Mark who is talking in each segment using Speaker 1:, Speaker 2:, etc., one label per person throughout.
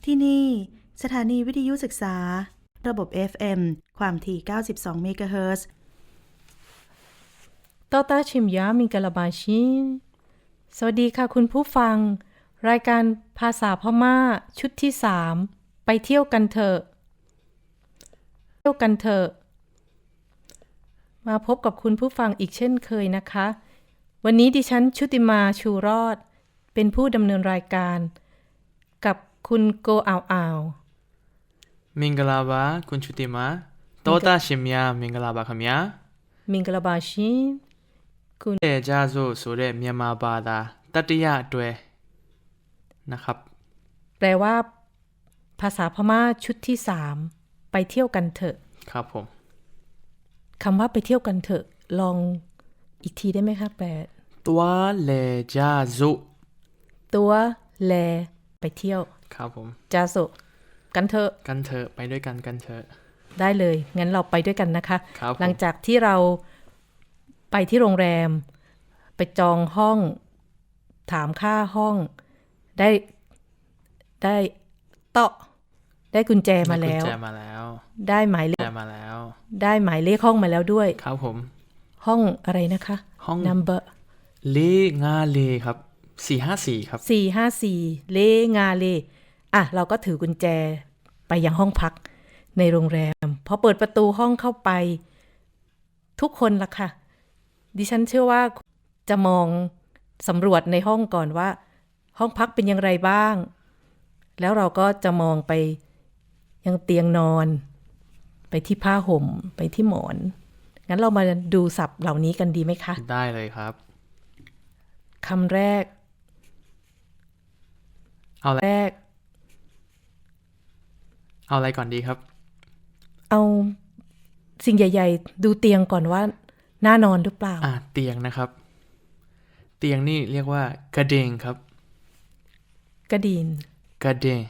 Speaker 1: ที่นี่สถานีวิทยุศึกษาระบบ FM ความถี่92เมกะเฮิรตซ์
Speaker 2: ตอตาชิมยามิงกะลาบาชินสวัสดีค่ะคุณผู้ฟังรายการภาษาพม่าชุดที่3ไปเที่ยวกันเถอะมาพบกับคุณผู้ฟังอีกเช่นเคยนะคะวันนี้ดิฉันชุติมาชูรอดเป็นผู้ดำเนินรายการกับคุณโกอ่าว
Speaker 3: မင်္ဂလာပါคุณชุติมาတောတာရှင်များမင်္ဂလာပါခင်ဗျာ
Speaker 2: มิงกะลาบาชิน
Speaker 3: คุณเอจาโซဆိုတဲ့မြန်မာဘာသာတတိယအတွဲนะครับ
Speaker 2: แปลว่าภาษาพม่าชุดที่3ไปเที่ยวกันเถอะ
Speaker 3: ครับผม
Speaker 2: คำว่าไปเที่ยวกันเถอะลองอีกทีได้ไหมคะแปล
Speaker 3: ตัวเลจาโซ
Speaker 2: ตัวแลไปเที่ยว
Speaker 3: ครับผม
Speaker 2: จาโซกันเถอะ
Speaker 3: ไปด้วยกันกันเถอะ
Speaker 2: ได้เลยงั้นเราไปด้วยกันนะคะ
Speaker 3: ครับ
Speaker 2: หลังจากที่เราไปที่โรงแรมไปจองห้องถามค่าห้องได้ได้กุญแจมาแล้วได้หมายเลข
Speaker 3: มาแล้ว
Speaker 2: ได้หมายเลขห้องมาแล้วด้วย
Speaker 3: ครับผม
Speaker 2: ห้องอะไรนะคะ
Speaker 3: ห้อง
Speaker 2: number
Speaker 3: เลงาเลครับ454ครับ
Speaker 2: 454เลงาเลเราก็ถือกุญแจไปยังห้องพักในโรงแรมพอเปิดประตูห้องเข้าไปทุกคนล่ะค่ะดิฉันเชื่อว่าจะมองสำรวจในห้องก่อนว่าห้องพักเป็นอย่างไรบ้างแล้วเราก็จะมองไปยังเตียงนอนไปที่ผ้าห่มไปที่หมอนงั้นเรามาดูศัพท์เหล่านี้กันดีไหมคะ
Speaker 3: ได้เลยครับ
Speaker 2: คำแรก
Speaker 3: เอาอะไรก่อนดีครับ
Speaker 2: เอาสิ่งใหญ่ๆดูเตียงก่อนว่าน่านอนหรือเปล่า
Speaker 3: เตียงนะครับเตียงนี่เรียกว่ากระเดงครับ
Speaker 2: กระดิน
Speaker 3: กระเดง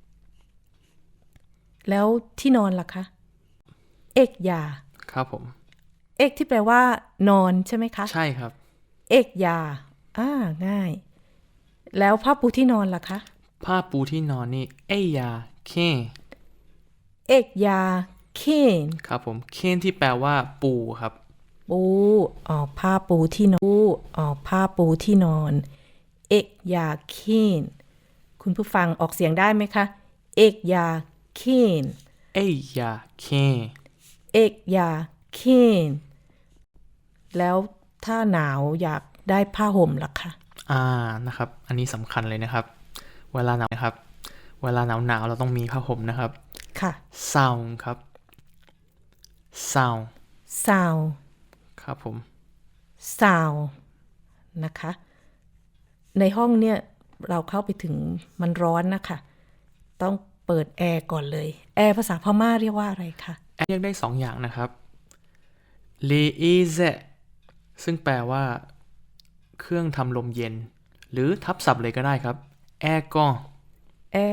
Speaker 2: แล้วที่นอนล่ะคะเอกยา
Speaker 3: ครับผม
Speaker 2: เอกที่แปลว่านอนใช่ไหมคะ
Speaker 3: ใช่ครับ
Speaker 2: เอกยาง่ายแล้วผ้าปูที่นอนล่ะคะ
Speaker 3: ผ้าปูที่นอนนี่เอยาเ
Speaker 2: อกยาเคน
Speaker 3: ครับผมเคนที่แปลว่าปูครับ
Speaker 2: ปูผ้าปูที่นอนผ้าปูที่นอนเอกยาเคนคุณผู้ฟังออกเสียงได้ไหมคะเอกยาเคน
Speaker 3: เอยาเคน
Speaker 2: เอกยาเคนแล้วถ้าหนาวอยากได้ผ้าห่มล่ะคะ
Speaker 3: นะครับอันนี้สำคัญเลยนะครับเวลาหนาวนะครับเวลาหนาวเราต้องมีผ้าห่มนะครับ
Speaker 2: ค่ะ
Speaker 3: ซาวครับซาวครับผม
Speaker 2: ซาวนะคะในห้องเนี่ยเราเข้าไปถึงมันร้อนนะคะต้องเปิดแอร์ก่อนเลยแอร์ภาษาพม่าเรียกว่าอะไรคะ
Speaker 3: แอร์เรียกได้2อย่างนะครับเลเอเซซึ่งแปลว่าเครื่องทำลมเย็นหรือทับศัพท์เลยก็ได้ครับแอร์กอน
Speaker 2: แอ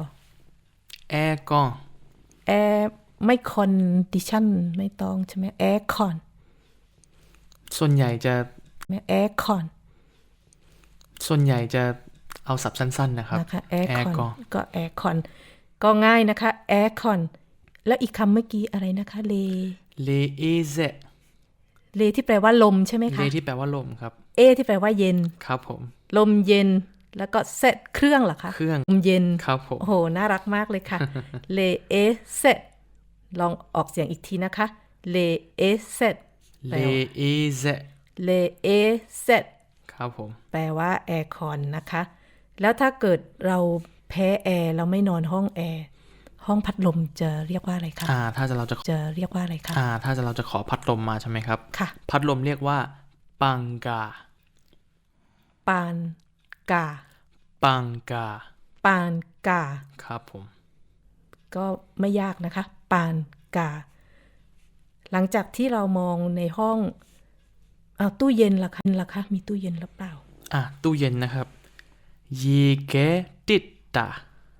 Speaker 2: ร์ไม่คอนดิชั่นไม่ต้องใช่ไหมแอร์คอน
Speaker 3: ส่วนใหญ่จะ
Speaker 2: แอร์คอน
Speaker 3: เอาศัพท์สั้นๆนะครับ
Speaker 2: แอร์คอนก็แอร์คอนก็ง่ายนะคะแอร์คอนแล้วอีกคำเมื่อกี้อะไรนะคะ
Speaker 3: เลเอเซ
Speaker 2: เลที่แปลว่าลมใช่ไหมคะ
Speaker 3: เลที่แปลว่าลมครับ
Speaker 2: ที่แปลว่าเย็น
Speaker 3: ครับผม
Speaker 2: ลมเย็นแล้วก็เซตเครื่องเหรอคะ
Speaker 3: เครื่อง
Speaker 2: ลมเย็น
Speaker 3: ครับผม
Speaker 2: โอ้โหน่ารักมากเลยค่ะเลเอเซลองออกเสียงอีกทีนะคะเลเอเซ
Speaker 3: ครับผม
Speaker 2: แปลว่าแอร์คอนนะคะแล้วถ้าเกิดเราแพ้แอร์เราไม่นอนห้องแอร์ห้องพัดลมจะเรียกว่าอะไรคะ
Speaker 3: ถ้าเราจะ
Speaker 2: เรียกว่าอะไรคะ
Speaker 3: ถ้าเราจะขอพัดลมมาใช่ไหมครับ
Speaker 2: ค่ะ
Speaker 3: พัดลมเรียกว่าปังกาครับผม
Speaker 2: ก็ไม่ยากนะคะปานกาหลังจากที่เรามองในห้องตู้เย็นล่ะคะมีตู้เย็นหรือเปล่า
Speaker 3: ตู้เย็นนะครับยีเกติดตา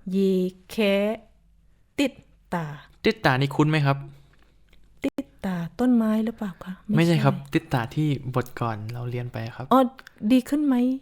Speaker 3: ติดตานี่คุ้นไหมครับ
Speaker 2: ติดตาต้นไม้หรือเปล่าคะ
Speaker 3: ไม่ใช่ครับติดตาที่บทก่อนเราเรียนไปครับ
Speaker 2: ดีขึ้นไหม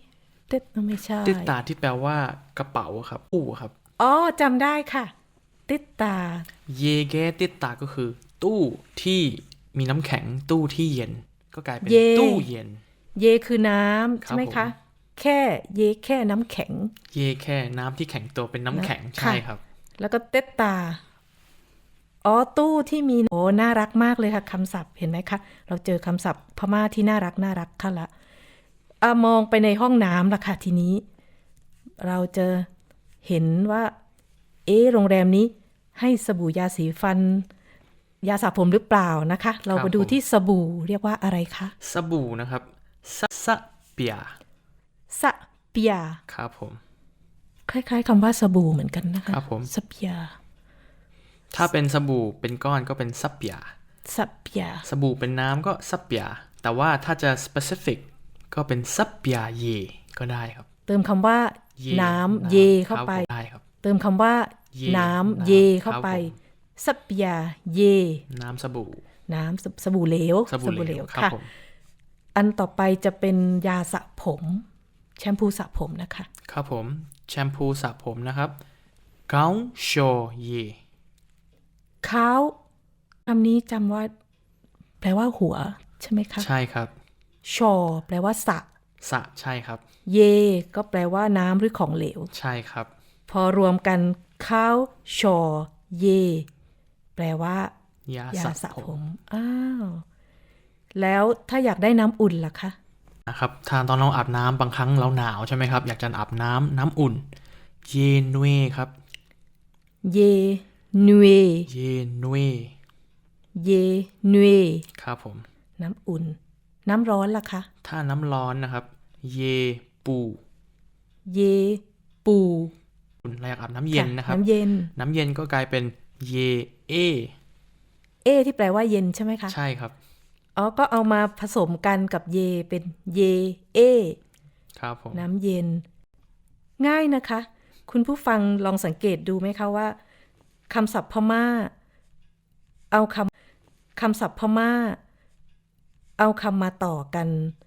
Speaker 2: เต็ดไม่ใช่
Speaker 3: ติดตาที่แปลว่ากระเป๋าครับตู้ครับ
Speaker 2: อ๋อจำได้ค่ะ ติดตา
Speaker 3: เยเกติดตาก็คือ ตู้ที่มีน้ำแข็งตู้ที่เย็น ก็กลายเป็น
Speaker 2: เย
Speaker 3: ตู้เย็น
Speaker 2: เยคือน้ำ
Speaker 3: ครับ
Speaker 2: ใช่ไหมคะ
Speaker 3: ผม
Speaker 2: แค่เยแค่น้ำแข็ง
Speaker 3: เยแค่น้ำที่แข็งตัวเป็นน้ำแข็ง
Speaker 2: ค่ะ
Speaker 3: ใช่ครับ
Speaker 2: แล้วก็เต็ดตา อ๋อตู้ที่มีโอ้น่ารักมากเลยค่ะคำศัพท์เห็นไหมคะ เราเจอคำศัพท์พม่าที่น่ารักค่ะละมองไปในห้องน้ำล่ะค่ะทีนี้ เราจะเห็นว่าโรงแรมนี้ให้สบู่ยาสีฟัน ยาสระผมหรือเปล่านะคะ เรา
Speaker 3: ครับ
Speaker 2: มาดู
Speaker 3: ผม
Speaker 2: ที่สบู่เรียกว่าอะไรคะ
Speaker 3: สบู่นะครับสะเปีย
Speaker 2: สเปีย
Speaker 3: ครับผม
Speaker 2: คล้ายๆคำว่าสบู่เหมือนกันนะคะ
Speaker 3: ครับผม
Speaker 2: สเปีย
Speaker 3: ถ้าเป็นสบู่เป็นก้อนก็เป็นซับเปีย
Speaker 2: สเปีย
Speaker 3: สบู่เป็นน้ำก็ซับเปีย แต่ว่าถ้าจะ specific ก็เป็นซับเปียเยก็ได้ครับ
Speaker 2: เติมคำว่า
Speaker 3: เย
Speaker 2: น้ำเยเข้าไป
Speaker 3: ครับผมได้ครับ
Speaker 2: เติมคำว่า
Speaker 3: เย
Speaker 2: น้ำเยเข้าไป
Speaker 3: ครับผม
Speaker 2: สเปียเย
Speaker 3: น้ำสบู่
Speaker 2: น้ำสบู่เหลว
Speaker 3: สบู่เหลวครับ
Speaker 2: ค่ะ
Speaker 3: ผม
Speaker 2: อันต่อไปจะเป็นยาสระผม แชมพูสระผมนะคะ
Speaker 3: ครับผมแชมพูสระผมนะครับเกาโชเย
Speaker 2: ข้าวคำนี้จำว่า แปลว่าหัว ใช่ไหมคะ
Speaker 3: ใช่ครับ
Speaker 2: ชอแปลว่าสระ
Speaker 3: สระใช่ครับ
Speaker 2: เย ก็แปลว่าน้ำหรือของเหลว
Speaker 3: ใช่ครับ
Speaker 2: พอรวมกันข้าวชอเย แปลว่า
Speaker 3: ยาย
Speaker 2: า
Speaker 3: สระ
Speaker 2: สระ
Speaker 3: ผ
Speaker 2: ผม ม อ้าว แล้วถ้าอยากได้น้ำอุ่นล่ะคะ
Speaker 3: นะครับถ้าตอนเราอาบน้ำบางครั้งเราหนาวใช่ไหมครับ อยากจะอาบน้ำอุ่น เยนเวครับ
Speaker 2: เยนเว
Speaker 3: เยนเว
Speaker 2: เยนเว
Speaker 3: ครับผม
Speaker 2: น้ำอุ่น น้ำร้อนล่ะคะ
Speaker 3: ถ้าน้ำร้อนนะครับ เยปู
Speaker 2: เยปู
Speaker 3: เราอยากอาบน้ำเย็นนะครับ
Speaker 2: น้ำเย็น
Speaker 3: น้ำเย็นก็กลายเป็นเยเอ
Speaker 2: ที่แปลว่าเย็นใช่ไหมคะ
Speaker 3: ใช่ครับ
Speaker 2: อ๋อ ก็เอามาผสมกันกับเยเป็นเย
Speaker 3: ครับผม
Speaker 2: น้ำเย็น ง่ายนะคะ คุณผู้ฟังลองสังเกตดูไหมคะว่าคำศัพท์พม่า เอาคำศัพท์พม่า เอาคำมาต่อกัน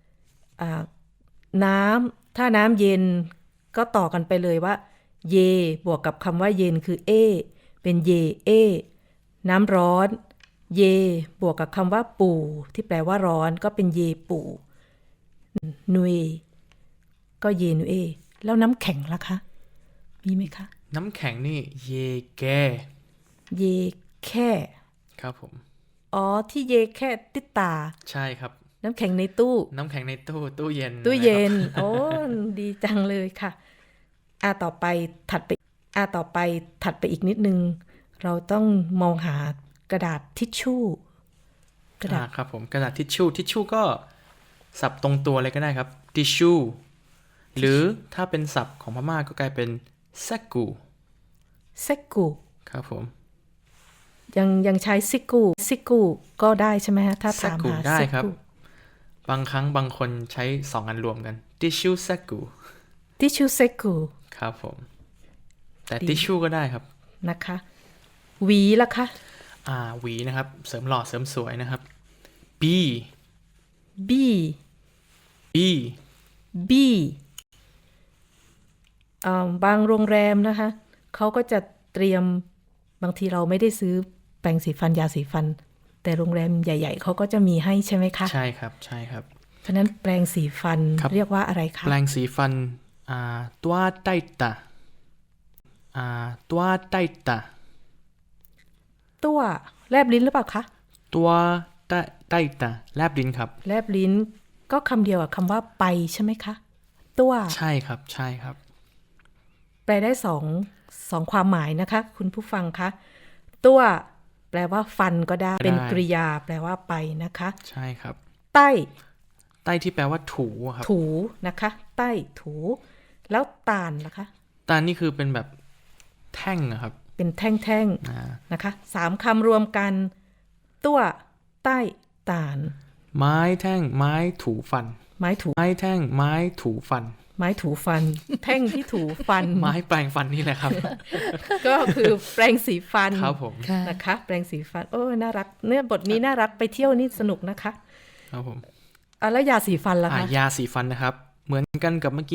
Speaker 2: น้ำถ้าน้ำเย็นก็ต่อกันไปเลยว่า เยบวกกับคำว่าเย็นคือเป็นเยน้ำร้อน เยบวกกับคำว่าปู่ที่แปลว่าร้อนก็เป็นเยปู่นุยก็เยนุเอแล้วน้ำแข็งล่ะคะ มีไหมคะ
Speaker 3: น้ำแข็งนี่เยแก
Speaker 2: เยแค่
Speaker 3: ครับผม
Speaker 2: อ๋อที่เยแค่ติดตา
Speaker 3: ใช่ครับ
Speaker 2: น้ำแข็งในตู้
Speaker 3: น้ำแข็งในตู้เย็น
Speaker 2: ตู้เย็น
Speaker 3: นะครับ
Speaker 2: โอ้ดีจังเลยค่ะต่อไปถัดไปอีกนิดนึง เราต้องมองหากระดาษทิชชู่ กระดาษ
Speaker 3: ครับผมกระดาษทิชชู่ก็สับตรงตัวเลยก็ได้ครับทิชชู่หรือถ้าเป็นศัพท์ของพม่าก็กลายเป็นแซกู
Speaker 2: เซกู
Speaker 3: ครับผม
Speaker 2: ยังใช้ซิกูก็ได้ใช่ไหมฮะถ้าถามหา
Speaker 3: ได้
Speaker 2: ซิ
Speaker 3: ครับ
Speaker 2: กู
Speaker 3: บางครั้งบางคนใช้สองอันรวมกันทิชชู่แซกู
Speaker 2: ทิชชู่เซกู
Speaker 3: ครับผมแต่ทิชชู่ก็ได้ครับ
Speaker 2: นะคะหวีล่ะคะ
Speaker 3: หวีนะครับเสริมหล่อเสริมสวยนะครับ B
Speaker 2: บี
Speaker 3: B
Speaker 2: บีบางโรงแรมนะคะเขาก็จะเตรียมบางทีเราไม่ได้ซื้อแปรงสีฟันยาสีฟัน แต่โรงแรมใหญ่ๆเขาก็จะมีให้ใช่ไหมคะ
Speaker 3: ใช่ครับใช่ครับ
Speaker 2: เพราะนั้นแปรงสีฟัน
Speaker 3: ครับ
Speaker 2: เรียกว่าอะไรคะ
Speaker 3: แปรงสีฟันตัวไตตาตัวไตตา
Speaker 2: ตัวแลบลิ้นหรือเปล่าคะ
Speaker 3: ตัวไตตาแลบลิ้นครับ
Speaker 2: แลบลิ้นก็คำเดียวกับคำว่าไปใช่ไหมคะตัว
Speaker 3: ใช่ครับใช่ครับ
Speaker 2: แปลได้สองความหมายนะคะ คุณผู้ฟังคะตัวแปลว่าฟันก็ได้เป็นกริยาแปลว่าไปนะคะ
Speaker 3: ใช่ครับ
Speaker 2: ใต้
Speaker 3: ไต้ที่แปลว่าถูอะครับ
Speaker 2: ถูนะคะใต้ถู แล้วตาลล่ะคะ
Speaker 3: ตานี่คือเป็นแบบแท่งอะครับ
Speaker 2: เป็นแท่ง
Speaker 3: อ่า
Speaker 2: ๆนะคะ3คำรวมกันตัวใต้ตาล
Speaker 3: ไม้แท่งไม้ถูฟัน
Speaker 2: ไม้ถู
Speaker 3: ไม้แท่งไม้ถูฟัน
Speaker 2: ไม้ถูฟัน แท่งที่ถูฟัน
Speaker 3: ไม้แปรงฟันนี่แหละครับ
Speaker 2: ก็คือแปรงสีฟัน
Speaker 3: ครับผม
Speaker 2: นะคะ แปรงสีฟันโอ้น่ารักเนี่ยบทนี้น่ารักไปเที่ยวนี่สนุกนะคะ
Speaker 3: ครับผม
Speaker 2: แล้วยาสีฟันล่ะคะ
Speaker 3: ยาสีฟันนะครับ เหมือนกันกับเมื่อกี้ครับ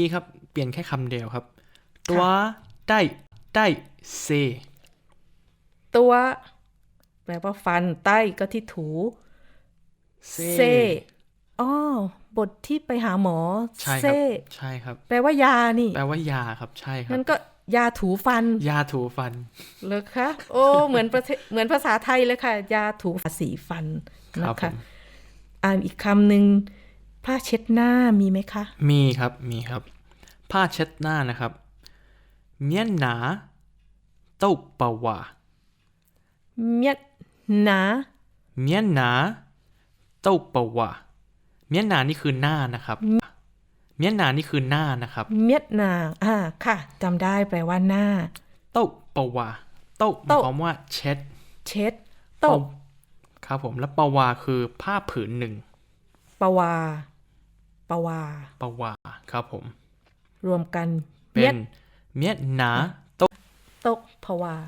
Speaker 3: เปลี่ยนแค่คำเดียวครับตัวได้เซ
Speaker 2: ตัวแปลว่าฟันใต้ก็ที่ถูเซอ๋อบทที่ไปหาหมอ
Speaker 3: ใช่ค
Speaker 2: เซ
Speaker 3: รับใช่ครับ
Speaker 2: แปลว่ายานี่
Speaker 3: แปลว่ายาครับใช่ครับ
Speaker 2: นั่นก็ยาถูฟัน
Speaker 3: ยาถูฟัน
Speaker 2: เลยคะโอ้เหมือนเหมือนภาษาไทยเลยค่ะ ยาถูสีฟัน
Speaker 3: ครั
Speaker 2: นะ
Speaker 3: บผ
Speaker 2: คะ
Speaker 3: ม
Speaker 2: อ่านอีกคำหนึ่งผ้าเช็ดหน้ามีไหมคะ
Speaker 3: มีครับมีครับ ผ้าเช็ดหน้านะครับเมียนหนาเต้าปาวา
Speaker 2: เมียดหนา
Speaker 3: เมียนหนาเต้าปาวาเมียนหนานี่คือหน้านะครับเมียนหนานี่คือหน้านะครับ
Speaker 2: เมียดหนาค่ะจำได้แปลว่าหน้า
Speaker 3: เต้าปาวาเต้าหมายความว่าเช็ด
Speaker 2: เช็ดโต๊ะ
Speaker 3: ครับผมแล้วปาวาคือผ้าผืนหนึ่ง
Speaker 2: ปวาปวา
Speaker 3: ปาวาครับผม
Speaker 2: รวมกัน
Speaker 3: เป็
Speaker 2: เมีย
Speaker 3: น
Speaker 2: ด
Speaker 3: เมียนหนาเต้า
Speaker 2: โต๊ะพวา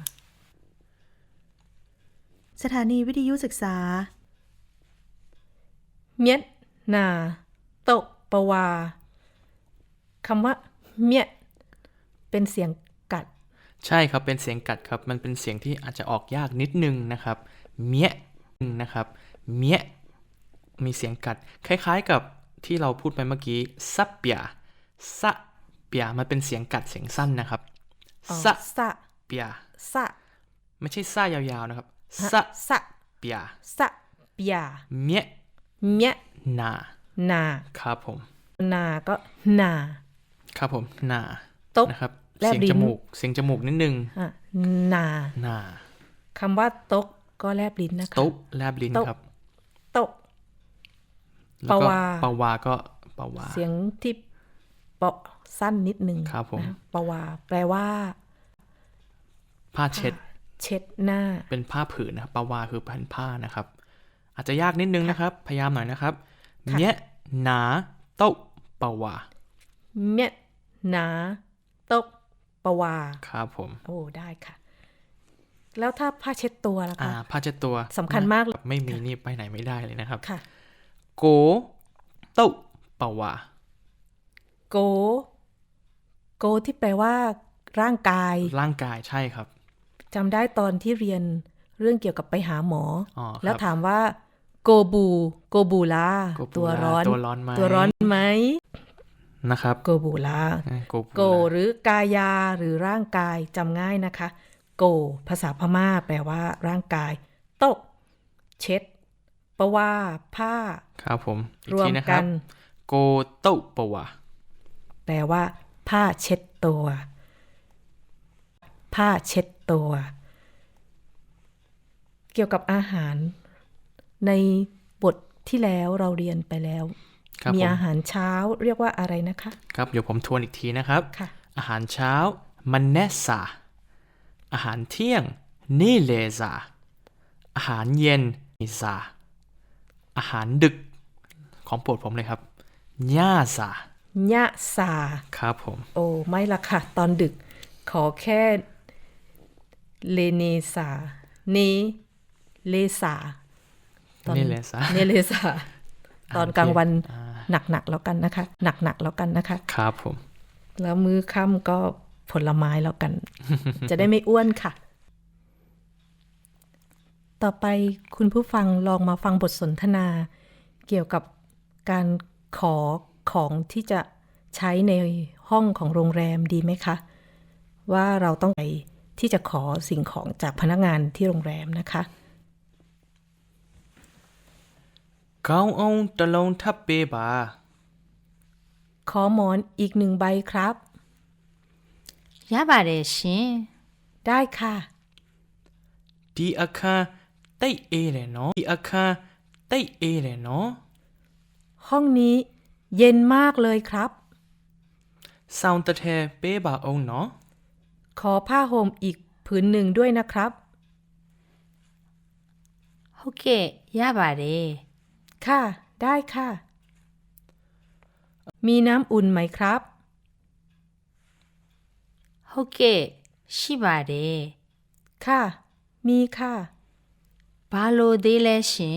Speaker 1: สถานีวิทยุศึกษา
Speaker 2: เมียดนาโต๊ะปวาคำว่าเมียดเป็นเสียงกัด
Speaker 3: ใช่ครับเป็นเสียงกัดครับมันเป็นเสียงที่อาจจะออกยากนิดนึงนะครับเมียนะครับเมียมีเสียงกัด คล้ายๆกับที่เราพูดไปเมื่อกี้ซับเปียซะเปียมันเป็นเสียงกัดเสียงสั้นนะครับ
Speaker 2: อ๋อ
Speaker 3: ซะ
Speaker 2: สะ
Speaker 3: เปีย
Speaker 2: สะ
Speaker 3: ไม่ใช่ซ่ายาวๆนะครับซะ
Speaker 2: สะ
Speaker 3: เปีย
Speaker 2: สะเปีย
Speaker 3: เมีย
Speaker 2: เมียด
Speaker 3: นา
Speaker 2: นา
Speaker 3: ครับผม
Speaker 2: นาก็นา
Speaker 3: ครับผมนา
Speaker 2: โต๊ะ
Speaker 3: นะครับ
Speaker 2: แลบ
Speaker 3: เสียง
Speaker 2: ลิ้
Speaker 3: จ
Speaker 2: น
Speaker 3: มูกเสียงจมูกนิดนึง
Speaker 2: นา
Speaker 3: นา
Speaker 2: คำว่าโต๊ะก็แลบลิ้นนะคะ
Speaker 3: โต๊ะแลบลิ้น
Speaker 2: โต๊ะ
Speaker 3: ครับ
Speaker 2: โต๊ะ
Speaker 3: แล้วก็
Speaker 2: ปาวา
Speaker 3: ปาวาก็ปาวา
Speaker 2: เสียงที่เปาะสั้นนิดนึง
Speaker 3: ครับผม
Speaker 2: นะปวาแปลว่า
Speaker 3: ผ้าเช็ด
Speaker 2: เช็ดหน้า
Speaker 3: เป็นผ้าผืนนะครับปาวาคือพันผ้านะครับ อาจจะยากนิดนึงนะครับ พยายามหน่อยนะครับ
Speaker 2: ค่ะ
Speaker 3: เนี้ยหนาโต๊ะปาวา
Speaker 2: เมียดหนาโต๊ะปวา
Speaker 3: ครับผม
Speaker 2: โอ้ได้ค่ะ แล้วถ้าผ้าเช็ดตัวล่ะคะ
Speaker 3: ผ้าเช็ดตัว
Speaker 2: สำคัญมากเลย
Speaker 3: ไม่มีนี่ไปไหนไม่ได้เลยนะครับ
Speaker 2: ค่ะ
Speaker 3: โกโต๊ะปาวา
Speaker 2: โก โกที่แปลว่า ร่างกาย
Speaker 3: ร่างกายใช่ครับ
Speaker 2: จำได้ตอนที่เรียนเรื่องเกี่ยวกับไปหาหมอ
Speaker 3: อ๋อครับ
Speaker 2: แล้วถามว่า โกบูลา
Speaker 3: โกบูลา
Speaker 2: ตัวร้อน
Speaker 3: ตัวร้อนไหม
Speaker 2: ตัวร้อนไหม
Speaker 3: นะครับ
Speaker 2: โกบูลา
Speaker 3: โกบูลา
Speaker 2: โกหรือกายาหรือร่างกายจำง่ายนะคะ โก ภาษาพม่าแปลว่าร่างกาย โต๊ะเช็ดปะว่าผ้า
Speaker 3: ครับผมอีก
Speaker 2: รวม
Speaker 3: ทีนะค
Speaker 2: กั
Speaker 3: รับ
Speaker 2: น
Speaker 3: โกโต๊ะปาวา
Speaker 2: แปลว่า ผ้าเช็ดตัว ผ้าเช็ดตัว เกี่ยวกับอาหาร ในบทที่แล้วเราเรียนไปแล้ว
Speaker 3: ครับ
Speaker 2: มี
Speaker 3: ผม
Speaker 2: อาหารเช้าเรียกว่าอะไรนะคะ
Speaker 3: ครับเดี๋ยวผมทวนอีกทีนะครับ
Speaker 2: ค่ะ
Speaker 3: อาหารเช้ามันเนสซาอาหารเที่ยงนี่เลซาอาหารเย็นนิซาอาหารดึกของโปรดผมเลยครับญ่าซาย
Speaker 2: ะสา
Speaker 3: ครับผม
Speaker 2: โอ้ไม่ละค่ะ ตอนดึก ขอแค่เลเนสาเนเลสาตอน
Speaker 3: นี่เลซา
Speaker 2: เนเลสาตอนกลางวันหนักๆแล้วกันนะคะ หนักๆแล้วกันนะคะ
Speaker 3: ครับผม
Speaker 2: แล้วมื้อค่ำก็ผลไม้แล้วกัน จะได้ไม่อ้วนค่ะ ต่อไปคุณผู้ฟังลองมาฟังบทสนทนา เกี่ยวกับการขอของที่จะใช้ในห้องของโรงแรมดีไหมคะ ว่าเราต้องไปที่จะขอสิ่งของจากพนักงานที่โรงแรมนะคะ
Speaker 3: ก้าวเอาตะลงทับเปบา
Speaker 2: ขอหมอนอีก1 ใบครับ
Speaker 4: ရပါတယ်ရှင်
Speaker 2: ได้ค่ะ
Speaker 3: ดีอาคารไต้เอเลยเนาะดีอาคารไต้เอเลยเนาะ
Speaker 2: ห้องนี้เย็นมากเลยครับ
Speaker 3: ซาวน์ตะเทเปบาองเนาะ
Speaker 2: ขอผ้าห่มอีกผืนหนึ่งด้วยนะครับ
Speaker 4: ဟုတ်ကဲ့ရပါတယ်
Speaker 2: ค่ะ ได้ค่ะ มีน้ำอุ่นไหมครับ
Speaker 4: ဟုတ်ကဲ့ရှိပါတယ်
Speaker 2: ค่ะ มีค่ะ
Speaker 4: ဘာလို့သေးလဲရှင်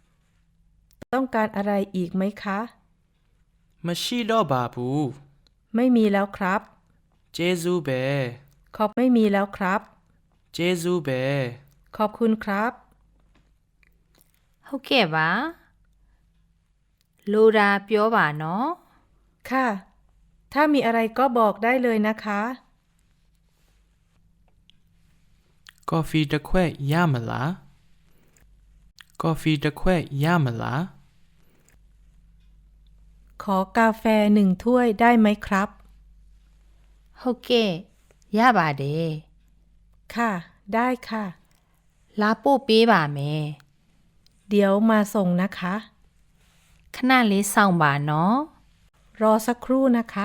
Speaker 2: ต้องการอะไรอีกไหมคะ
Speaker 3: มาชีดอบาบู
Speaker 2: ไม่มีแล้วครับ
Speaker 3: เจซูเบ
Speaker 2: ไม่มีแล้วครับ
Speaker 3: เจซูเบ
Speaker 2: ขอบคุณครับ
Speaker 4: ဟုတ်ကဲ့ပါလိုတာပြောပါနော်
Speaker 2: ค่ะ ถ้ามีอะไรก็บอกได้เลยนะคะ
Speaker 3: กาแฟตะแควะยามะลากาแฟตะแควะยามะลา
Speaker 2: ขอกาแฟ1 ถ้วยได้ไหมครับ
Speaker 4: ဟုတ်ကဲ့ရပါတယ်
Speaker 2: ค่ะ ได้ค่ะ
Speaker 4: လာပို့ပေးပါမယ်
Speaker 2: เดี๋ยวมาส่งนะคะ
Speaker 4: ခဏလေးစောင့်ပါနော်
Speaker 2: รอสักครู่นะคะ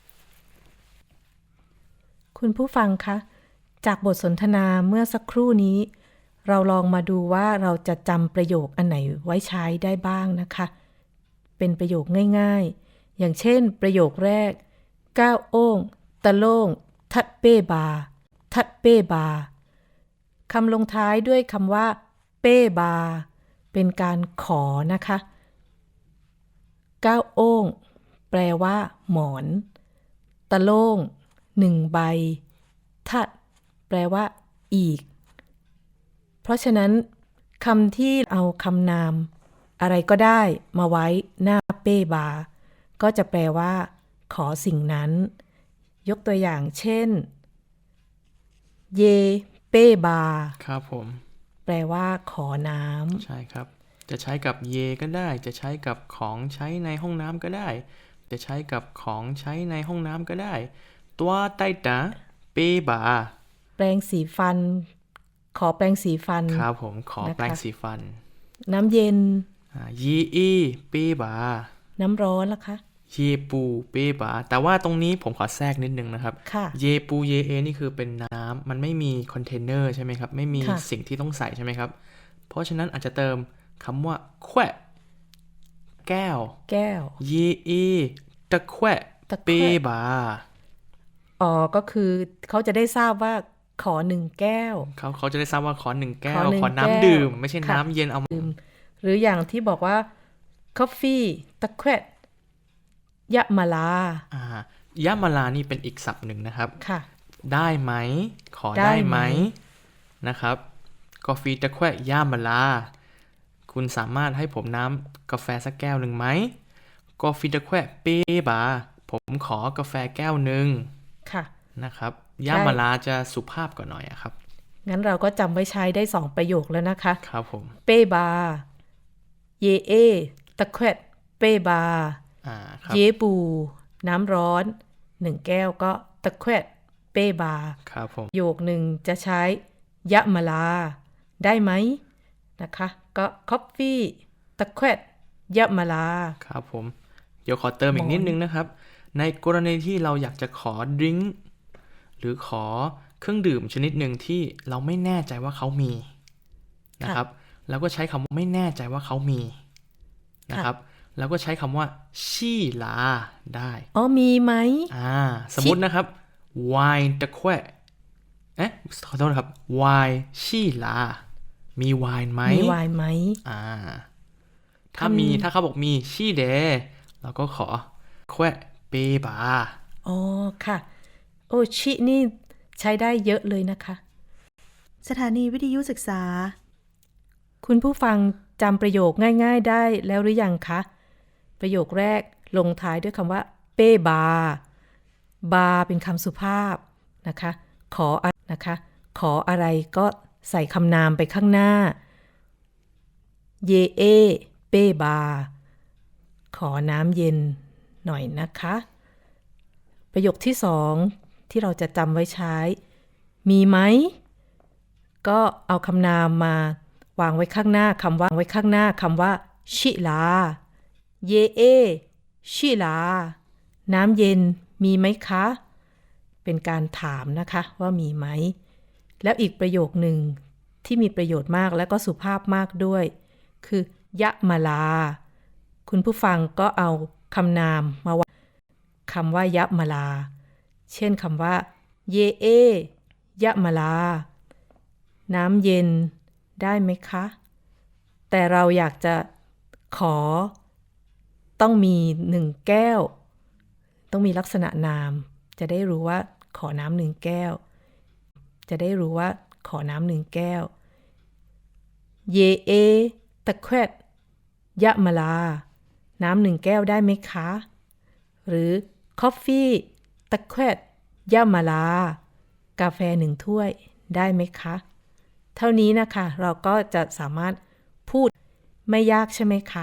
Speaker 2: คุณผู้ฟังคะ จากบทสนทนาเมื่อสักครู่นี้ เราลองมาดูว่าเราจะจำประโยคอันไหนไว้ใช้ได้บ้างนะคะ เป็นประโยคง่ายๆ อย่างเช่น ประโยคแรก ก้าวโอ้ง ตะโล่ง ทัดเป้บา ทัดเป้บา คำลงท้ายด้วยคำว่า เป้บา เป็นการขอนะคะ ก้าวโอ้ง แปลว่า หมอน ตะโล่ง 1 ใบ ทัด แปลว่า อีก เพราะฉะนั้นคำที่เอาคำนามอะไรก็ได้มาไว้หน้าเป้บา ก็จะแปลว่า ขอสิ่งนั้น ยกตัวอย่างเช่น เย เป้บา
Speaker 3: ครับผม
Speaker 2: แปลว่า ขอน้ำ
Speaker 3: ใช่ครับ จะใช้กับเยก็ได้ จะใช้กับของใช้ในห้องน้ำก็ได้ จะใช้กับของใช้ในห้องน้ำก็ได้ ตัวไตตาเปบา
Speaker 2: แปรงสีฟัน ขอแปรงสีฟัน
Speaker 3: ครับผม ขอ
Speaker 2: นะคะ
Speaker 3: แปรงสีฟัน
Speaker 2: น้ำเย็น
Speaker 3: ยีอีเปบา
Speaker 2: น้ำร้อนล่ะคะ
Speaker 3: เยปูเปบา แต่ว่าตรงนี้ผมขอแทรกนิดนึงนะครับ
Speaker 2: ค่ะ
Speaker 3: เยปูเยเอนี่คือเป็นน้ำมันไม่มีคอนเทนเนอร์ใช่ไหมครับ ไม่มี
Speaker 2: ค่ะ
Speaker 3: สิ่งที่ต้องใส่ใช่ไหมครับ เพราะฉะนั้นอาจจะเติมคำว่าแควะแก้ว
Speaker 2: แก้ว
Speaker 3: เยเอตะแควะ
Speaker 2: ตะแควะ
Speaker 3: เปบา
Speaker 2: อ๋อ ก็คือเขาจะได้ทราบว่าขอ1 แก้ว
Speaker 3: เขาจะได้ทราบว่าขอ1 แก้
Speaker 2: ข
Speaker 3: ว
Speaker 2: อ1
Speaker 3: ขอ
Speaker 2: แก้ว
Speaker 3: น้ำดื่ม ไม่ใช่
Speaker 2: ค่ะ
Speaker 3: น้ำเย็นเอา
Speaker 2: หรืออย่างที่บอกว่า coffee ตะแควะยะมาลา
Speaker 3: ยะมาลานี่เป็นอีกศัพท์หนึ่งนะครับ
Speaker 2: ค่ะ
Speaker 3: ได้ไหม ขอ
Speaker 2: ได้
Speaker 3: ได้
Speaker 2: ไห
Speaker 3: ไห
Speaker 2: ม
Speaker 3: มนะครับกาแฟตะแควะยามาลา คุณสามารถให้ผมน้ำกาแฟสักแก้วหนึ่งไหมกาแฟตะแควะเปบา ผมขอกาแฟแก้วหนึ่ง
Speaker 2: ค่ะ
Speaker 3: นะครับยามาลาจะสุภาพกว่าหน่อยอะครับ
Speaker 2: งั้นเราก็จำไว้ใช้ได้2 ประโยคแล้วนะคะ
Speaker 3: ครับผม
Speaker 2: เป้บา เยเอ ตะแควะเป้บา
Speaker 3: ครับ
Speaker 2: เยปู น้ำร้อน 1 แก้วก็ตะแควะเป้บา
Speaker 3: ครับผม
Speaker 2: ประโยคหนึ่งจะใช้ยะมาลา ได้ไหมนะคะ ก็ coffee ตะแควะยะมาลา
Speaker 3: ครับผม เดี๋ยวขอเติมอีกนิดนึงนะครับ ในกรณีที่เราอยากจะขอดริงก์หรือขอเครื่องดื่มชนิดหนึ่งที่เราไม่แน่ใจว่าเขามีนะครับ แล้วก็ใช้คำว่าไม่แน่ใจว่าเขามีนะครับ แล้วก็ใช้คำว่าชี่ลาได้
Speaker 2: อ๋อ มีไหม
Speaker 3: สมมตินะครับไวน์ตะแควะขอโทษนะครับไวน์ชี่ลา มีไวน์ไหม
Speaker 2: มีไวน์ไหม
Speaker 3: ถ้าเขาบอกมีชี่เดเราก็ขอแควะเปบา
Speaker 2: อ๋อ ค่ะ โอชินี่ใช้ได้เยอะเลยนะคะ
Speaker 1: สถานีวิทยุศึกษา
Speaker 2: คุณผู้ฟังจำประโยคง่ายๆได้แล้วหรือยังคะ ประโยคแรกลงท้ายด้วยคำว่าเป้บา บาเป็นคำสุภาพนะคะ ขออะไรก็ใส่คำนามไปข้างหน้า เยเอ เป้บา ขอน้ำเย็นหน่อยนะคะ ประโยคที่2ที่เราจะจำไว้ใช้ มีไหม ก็เอาคำนามมาวางไว้ข้างหน้าคำว่าชิลา เยเอ ชิลา น้ำเย็นมีไหมคะ เป็นการถามนะคะว่ามีไหม แล้วอีกประโยคหนึ่งที่มีประโยชน์มากและก็สุภาพมากด้วย คือยะมาลา คุณผู้ฟังก็เอาคำนามมาวางคำว่ายะมาลา เช่นคำว่าเยเอยะมาลา น้ำเย็นได้ไหมคะ แต่เราอยากจะขอต้องมี1 แก้วต้องมีลักษณะนาม จะได้รู้ว่าขอน้ำ1 แก้ว จะได้รู้ว่าขอน้ำ1 แก้ว เยเอตะแควดยะมะลา น้ำ1 แก้วได้ไหมคะ หรือคอฟฟี่ตะแควดยะมะลา กาแฟ1 ถ้วยได้ไหมคะ เท่านี้นะคะเราก็จะสามารถพูดไม่ยากใช่ไหมคะ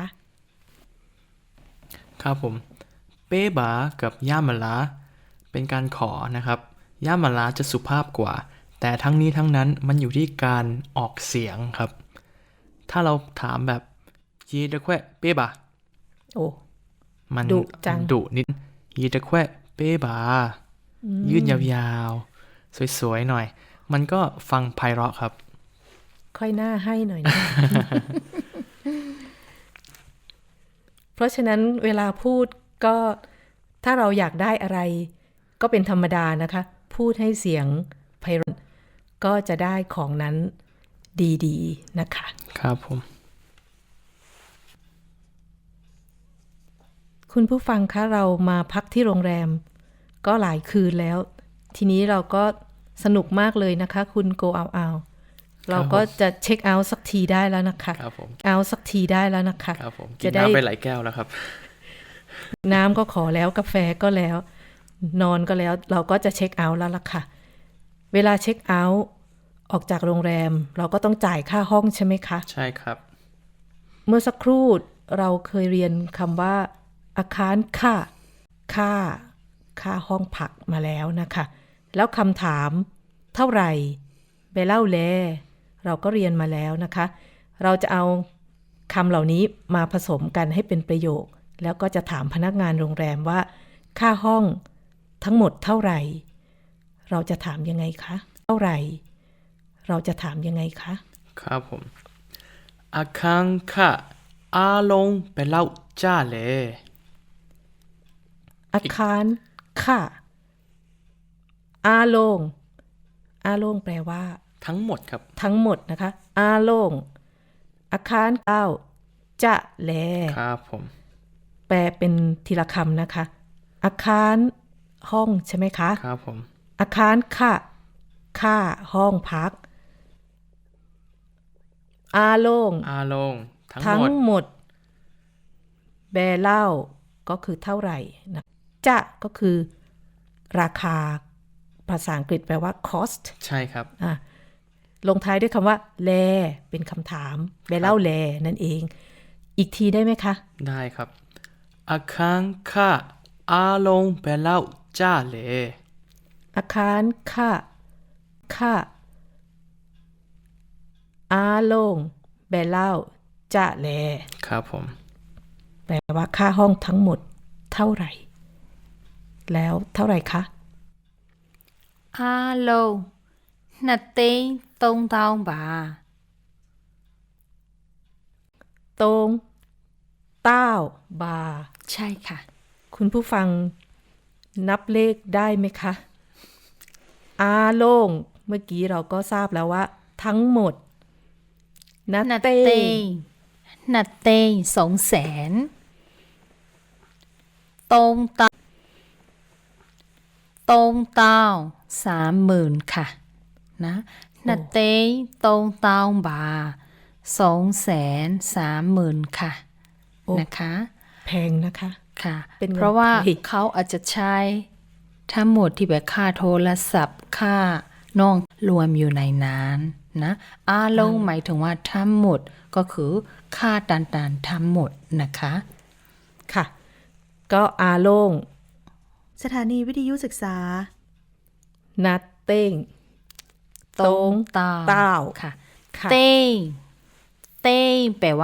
Speaker 3: ครับผม เป้บากับย่ามาลาเป็นการขอนะครับ ย่ามาลาจะสุภาพกว่า แต่ทั้งนี้ทั้งนั้นมันอยู่ที่การออกเสียงครับ ถ้าเราถามแบบยีตะแควเป้บา
Speaker 2: โอ้
Speaker 3: มัน
Speaker 2: ดุจัง
Speaker 3: ดุนิดยีตะแควเป้บา ยืดยาวๆ สวยๆหน่อย มันก็ฟังไพเราะครับ
Speaker 2: ค่อยหน้าให้หน่อยนะ เพราะฉะนั้นเวลาพูดก็ถ้าเราอยากได้อะไร ก็เป็นธรรมดานะคะ พูดให้เสียงไพเราะก็จะได้ของนั้นดีๆนะคะ
Speaker 3: ครับผม
Speaker 2: คุณผู้ฟังคะเรามาพักที่โรงแรมก็หลายคืนแล้ว ทีนี้เราก็สนุกมากเลยนะคะ คุณโกเอาเราก็จะเช็คเอาท์สักทีได้แล้วนะคะ
Speaker 3: ครับผม
Speaker 2: เอาท์สักทีได้แล้วนะคะ
Speaker 3: ครับผมกิ
Speaker 2: จะ
Speaker 3: น
Speaker 2: ได้
Speaker 3: น้ำไปหลายแก้วแล้วครับ
Speaker 2: น้ำก็ขอแล้วกาแฟก็แล้ว นอนก็แล้ว เราก็จะเช็คเอาท์แล้วล่ะค่ะ เวลาเช็คเอาท์ออกจากโรงแรม เราก็ต้องจ่ายค่าห้องใช่ไหมคะ
Speaker 3: ใช่ครับ
Speaker 2: เมื่อสักครู่เราเคยเรียนคำว่าอาคารค่าห้องพักมาแล้วนะคะ แล้วคำถามเท่าไหร่ไปเล่าแลเราก็เรียนมาแล้วนะคะ เราจะเอาคำเหล่านี้มาผสมกันให้เป็นประโยค แล้วก็จะถามพนักงานโรงแรมว่าค่าห้องทั้งหมดเท่าไหร่ เราจะถามยังไงคะเท่าไหร่ เราจะถามยังไงคะ
Speaker 3: ครับผม อาคังค่ะอาลงไปเล่าจ้าเลย
Speaker 2: อาคารค่ะอาโลงแปลว่า
Speaker 3: ทั้งหมดครับ
Speaker 2: ทั้งหมดนะคะ อาโลงอาคารเก้าจะแล
Speaker 3: ครับผม
Speaker 2: แปลเป็นทีละคำนะคะ อาคารห้องใช่ไหมคะ
Speaker 3: ครับผม
Speaker 2: อาคารค่าห้องพัก อาโลง
Speaker 3: อาลงทั้ง
Speaker 2: ทั้
Speaker 3: ห
Speaker 2: ง
Speaker 3: มด
Speaker 2: หมด แบเล่าก็คือเท่าไหร่นะจะก็คือราคา ภาษาอังกฤษแปลว่า cost
Speaker 3: ใช่ครับ
Speaker 2: ลงท้ายด้วยคำว่า แล เป็นคำถาม แบเล่าแล นั่นเอง อีกทีได้ไหมคะ
Speaker 3: ได้ครับ อาคังค่ะอาลงไปเล่าจ้าเลย
Speaker 2: อาคารค่าอาโลงแบเล่าจะแล
Speaker 3: ครับผม
Speaker 2: แปลว่าค่าห้องทั้งหมดเท่าไหร่ แล้วเท่าไหร่คะ
Speaker 4: Alo 2 သိန်း3,000 บาท
Speaker 2: ตรงเต้าบา
Speaker 4: ใช่ค่ะ
Speaker 2: คุณผู้ฟังนับเลขได้ไหมคะ อาโลงเมื่อกี้เราก็ทราบแล้วว่า ทั้งหมดนั
Speaker 4: นั
Speaker 2: ด
Speaker 4: ด
Speaker 2: เต้
Speaker 4: เต้งนัดเต้ง200,000ตรงเต้า30,000 ค่ะ นะนัดเต้งตรงเต้าบา230,000 ค่ะ
Speaker 2: โอ้
Speaker 4: นะคะ
Speaker 2: แพงนะคะ
Speaker 4: ค่ะ
Speaker 2: เป็นเงิน
Speaker 4: เพราะว่า
Speaker 2: ไทย
Speaker 4: เขาอาจจะใช้ทั้งหมดที่แบบค่าโทรศัพท์ค่าน้องรวมอยู่ในนั้นนะอาลงหมายถึงว่าทั้งหมดก็คือค่าต่างๆทั้งหมดนะคะ
Speaker 2: ค่ะ ก็อาโลง
Speaker 1: สถานีวิทยุศึกษา
Speaker 2: นัดเต้ง ตรง
Speaker 4: เต้า
Speaker 2: เต้า
Speaker 4: ค่ะ
Speaker 2: ค่ะ
Speaker 4: เต้งแปลว่า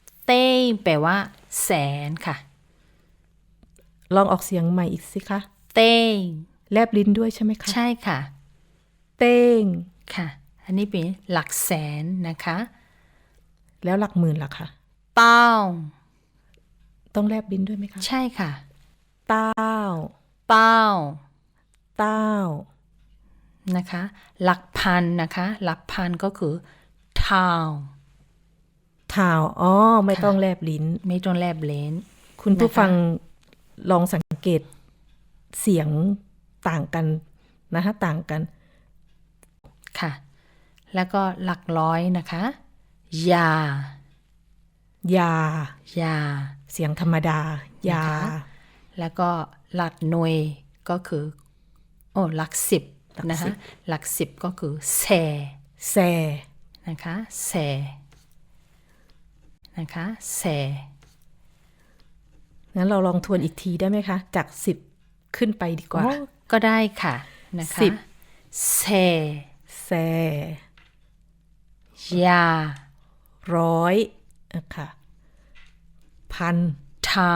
Speaker 4: แสนค่ะ
Speaker 2: ลองออกเสียงใหม่อีกสิคะ
Speaker 4: เต้ง
Speaker 2: แลบลิ้นด้วยใช่ไหมคะ
Speaker 4: ใช่ค่ะ
Speaker 2: เต้ง
Speaker 4: ค่ะ อันนี้เป็นหลักแสนนะคะ
Speaker 2: แล้วหลักหมื่นล่ะคะ
Speaker 4: เต้า
Speaker 2: ต้องแลบลิ้นด้วยไหมคะ
Speaker 4: ใช่ค่ะ
Speaker 2: เต้า
Speaker 4: เต้า
Speaker 2: เต้า
Speaker 4: นะคะ หลักพันนะคะ หลักพันก็คือทาว
Speaker 2: ถ่าว อ๋อ ไม่ต้องแลบลิ้น
Speaker 4: ไม่ต้องแลบเลน
Speaker 2: คุณผู้
Speaker 4: นะคะ
Speaker 2: ฟังลองสังเกตเสียงต่างกันนะคะต่างกัน
Speaker 4: ค่ะ แล้วก็หลักร้อยนะคะ ยา
Speaker 2: ยา
Speaker 4: ยา
Speaker 2: เสียงธรรมดา ยา
Speaker 4: นะคะ แล้วก็หลักหน่วยก็คือหลักสิบนะคะ หลักสิบก็คือแซ
Speaker 2: แซ
Speaker 4: นะคะแซนะคะแซ
Speaker 2: งั้นเราลองทวนอีกทีได้ไหมคะ จาก10ขึ้นไปดีกว่า
Speaker 4: ก็ได้ค่ะนะคะ
Speaker 2: 10
Speaker 4: แซ
Speaker 2: แซ
Speaker 4: ยา
Speaker 2: 100นะคะพัน
Speaker 4: ทาว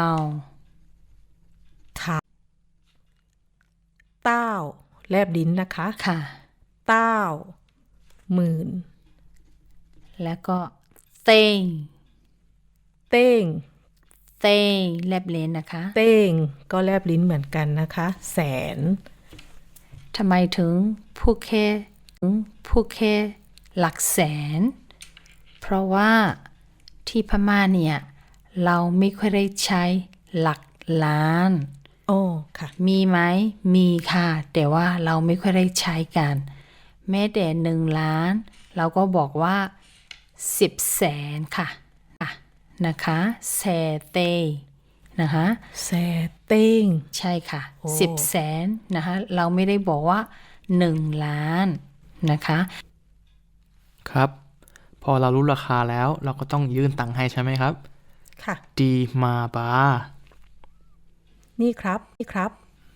Speaker 2: เต้าแลบลิ้นนะคะ
Speaker 4: ค่ะ
Speaker 2: เต้าหมื่น
Speaker 4: แล้วก็เต้ง
Speaker 2: เต้ง
Speaker 4: เต้งแลบเลนนะคะ
Speaker 2: เต้งก็แลบลิ้นเหมือนกันนะคะ แสน
Speaker 4: ทำไมถึงพูดแค่หลักแสน เพราะว่าที่พม่าเนี่ยเราไม่ค่อยได้ใช้หลักล้าน
Speaker 2: โอ้ค่ะ
Speaker 4: มีไหม มีค่ะ แต่ว่าเราไม่ค่อยได้ใช้กัน แม้แต่1 ล้าน เราก็บอกว่า10 แสนค่ะนะคะแสเต้นะคะ
Speaker 2: แซเต้ง
Speaker 4: ใช่ค่ะ
Speaker 2: โอ้
Speaker 4: 10 แสนนะคะ เราไม่ได้บอกว่า1 ล้านนะคะ
Speaker 3: ครับ พอเรารู้ราคาแล้วเราก็ต้องยื่นตังค์ให้ใช่ไหมครับ
Speaker 2: ค่ะ
Speaker 3: ดีมาบา
Speaker 2: นี่ครับ นี่ครับ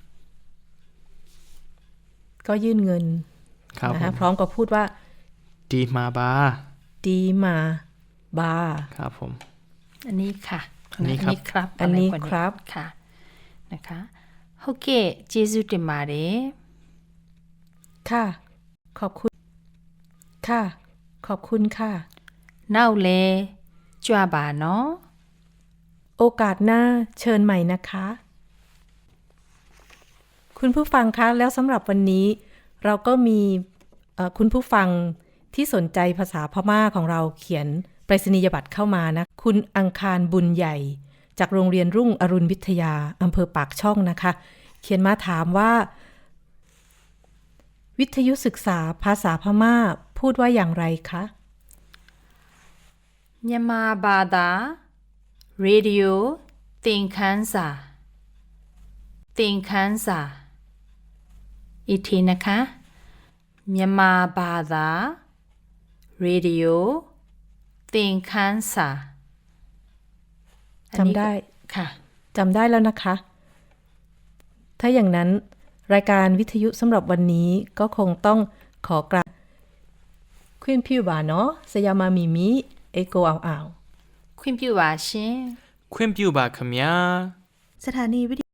Speaker 2: ก็ยื่นเงิน
Speaker 3: ครับ
Speaker 2: นะ
Speaker 3: ผ
Speaker 2: คะ
Speaker 3: ม
Speaker 2: พร้อมกับพูดว่า
Speaker 3: ดีมาบา
Speaker 2: ดีมาบา
Speaker 3: ครับผม
Speaker 4: อันนี้ค่ะ
Speaker 3: อันนี้ครับ
Speaker 4: ครับ
Speaker 2: อันนี้
Speaker 4: ะไพวก
Speaker 2: ครับ
Speaker 4: ค่ะนะคะဟုတ်ကဲ့ကျေးဇူးတင်ပါတယ်
Speaker 2: ค่ะ ขอบคุณ ค่ะ ขอบคุณค่ะ
Speaker 4: နောက်လဲကြွပါနော်
Speaker 2: โอกาสหน้าเชิญใหม่นะคะ คุณผู้ฟังคะแล้วสำหรับวันนี้เราก็มีคุณผู้ฟังที่สนใจภาษาพม่าของเราเขียนไปรษณียบัตรเข้ามานะ คุณอังคารบุญใหญ่ จากโรงเรียนรุ่งอรุณวิทยาอำเภอปากช่องนะคะ เขียนมาถามว่า วิทยุศึกษาภาษาพม่าพูดว่าอย่างไรคะ
Speaker 4: မြန်မာဘာသာရေဒီယိုသင်ခန်းစာอีกทีนะคะမြန်မာဘာသာရေဒီယိုသင်ခန်းစာอันนี้
Speaker 2: จำได้
Speaker 4: ค่ะ
Speaker 2: จำได้แล้วนะคะ ถ้าอย่างนั้นรายการวิทยุสำหรับวันนี้ก็คงต้องขอกราบควินพิวบาเนาะสยามามิมิเอโกเอา
Speaker 4: ခွင့်ပြုပါရှင်
Speaker 3: ခွင့်ပြုပါခင်ဗျာ
Speaker 1: สถานีวิทยุ